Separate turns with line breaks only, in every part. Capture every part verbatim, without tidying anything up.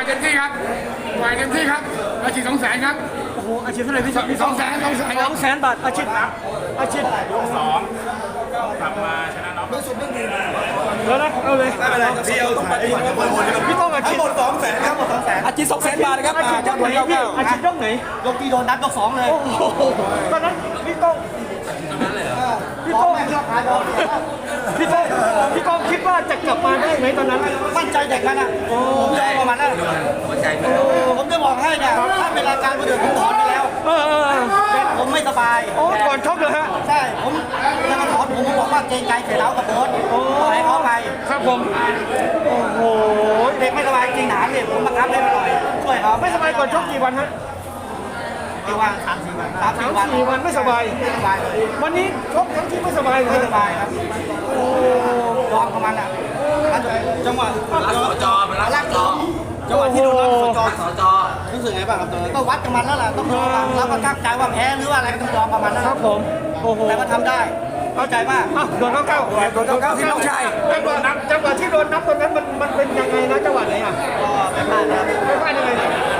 เต็มที่ครับต่อยเต็มที่ครับอาชีพสองแสนครับ
โอ้โหอาชีพเท่าไหร่พี่พี่
สองแสนสองแสน
สองแสนบาทอาชีพอาชีพ
ยกสองกลับมาชนะน็อก
แล้วนะเอาเลย
ไม่เป็นไรพี่เอาถ่ายพี่ต้องหมด
พี่ต้องอาชีพ
หมดสองแสนครับหมดสองแสน
อาชีพสองแสนบาทนะครับ
อาชีพยกไหนพี่อาชีพยกไหน
ยกที่โดนนับยกสองเลย
โอ้โหตอนนั้นพี่ต้องพี่ต้องพี่ต้องพี่ต้องคิดว่าจะกลับมาได้ไหมตอนนั้น
มั่นใจเด็กมันอ่ะผมยอมประมาณนั้นผมจะบอกให้เนี่ยถ้าเป็นรายการคนอื่นผมถอนไปแล้ว
เออเออ
เป็นผมไม่สบาย
โอ้ก่อนชกเลยฮะ
ใช่ผมจะมาถอนผมบอกว่าเกรงใจเสียแล้วกับโบ๊ทปล่อยเขาไป
ครับผมโอ้โห
เด็กไม่สบายจริงหนาเนี่ยผมบังคับเล่นไปหน่อยช่วยเขา
ไม่สบายก่อนชกกี่วันฮะ
กี่วันสามสี่วันสาม
สา
สี่
ม
วัน
สี่วันไม่สบาย
ไม่สบายเลย
วันนี้ชกทั้งที่ไม่สบายเล
ไม่
ย
สบายครับโอ้ยอมกับมันอ่ะจังหวะ
รักสจเป็นรักสจ
จังหวะที่โดนรับสจ
รักสจ
รู้สึกไงบ้างครับตอนนั้นก็วัดกับมันแล้วล่ะต้องยอมรับว่าตั้งใจว่าแพ้หรือว่าอะไรก็ต้องยอมกับมันนะครับ
ผมโอ้โห
แต่ก็ทำได้เข้าใจป่ะ
อ่ะโดนเก้าเก้า
โดนเก้าเก้าที่น้องชาย
จังหวะนับจังหวะที่โดนนับตอนนั้นมันมันเป็นยังไงนะจังหวะไหนอ่ะ
ก็ไม่พลาดนะครับ
ไม่พลาดยังไง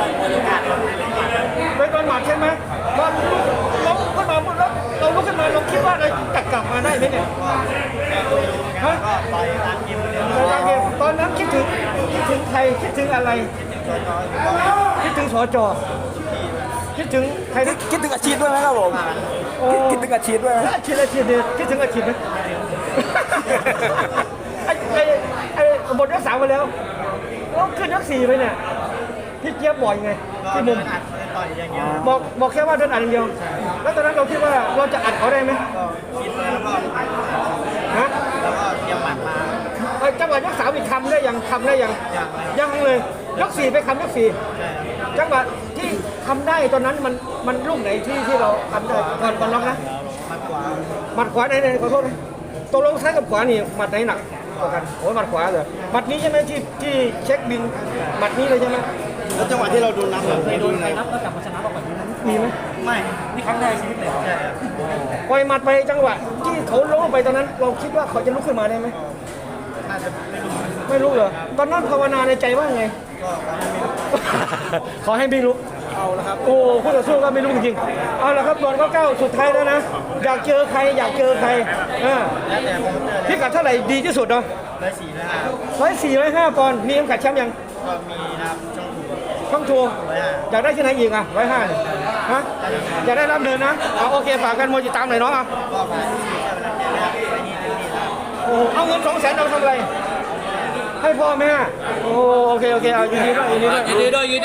เป็นโดนหมัดใช่ไหมตอนล้มขึ้นมาปุ๊บแล้วเราลุกขึ้นมาเราคิดว่าเราจะกลับมาได้ไหมเนี่ยฮะ
ก็ต่อยตามกิมเลย
ตอนนั้นตอนนั้นคิดถึงคิดถึงใครคิดถึงอะไร คิดถึงสจคิดถึงใครนะ
คิดถึงอาชีพด้วยไหมครับผม
โอ้
คิดถึงอาชีพด้วยไหม
อาชีพอาชีพเดียวคิดถึงอาชีพไหมไอ้ไอ้ไอ้หมดยกสามไปแล้วแล้วขึ้นยกสี่ไปเนี่ยพี่เจี๊ยบบ่อยไงที่มุม
อัดต่อยอย่างเงี้ย
บอกบอกแค่ว่าเดินอัดอย่างเดียว แล้วตอนนั้นเราคิดว่าเราจะอัดเขาได้ไหม
ก็คิดไว้แล้วก็
ฮะ
แล้วก็เตรียมหมัดมา
เอ้ยจังหวะยกสามอีกคำได้ยังคำได้ยังยังเลยยกสี่ไปคำยกสี่จังหวะที่ทำได้ตอนนั้นมันมันลูกไหนที่ที่เราทำได้ก่อนก่อนล็อกนะ
หมัดขวา
หมัดขวาไหนไหนขอโทษนะตกลงซ้ายกับขวานี่หมัดไหนหนักกว่ากันโอ้ยหมัดขวาเลยหมัดนี้ใช่ไหมที่ที่เช็คบินหมัดนี้เลยใช่ไหม
แล้วจังหวะที่เราโดนนับเคยโดนใครนับ
มีไหม
ไม่นี่ครั้งแรกชีวิตเลยใช่
ปล่อยหมัดไปจังหวะที่เขาล้มลงไปตอนนั้น เราคิดว่าเขาจะลุกขึ้นมาได้ไหม
น่าจะไม่รู้
ไม่รู้เหรอตอนนั้นภาวนาในใจว่าไง ขอให้ไม่รู้
เอาแล้วครับ
โอ้คู่ต่อสู้ก็ไม่รู้จริงๆเอาละครับตอนก็เก้าสุดท้ายแล้วนะอยากเจอใครอยากเจอใครอ่า
แล้วแต่ผมเจอ
พิกัดเท่าไหร่ดีที่สุดเนาะ
ร้อยสี่นะฮะ
ร้อยสี่ร้อยห้าปอนด์มีเข็มขัดแชมป์ยัง
ก็มีนะครับช่องถูก
ช่องทัวร์
ร้อยห้า
อยากได้ที่ไหนอีกอ่ะร้อยห้าฮะอยากได้รับเดินนะเอาโอเคฝากกันมวยติดตามหน่อยเนาะอ่ะ
ก็ผ่านที่เจ้าหน้าที่แล้วไปนี่เต็มที่แล้ว
โอ้เอาเงินสองแสนเอาทำอะไรให้พ่อแม่โอ้โอเคโอเคเอายินดีด้วยยินดีด้วย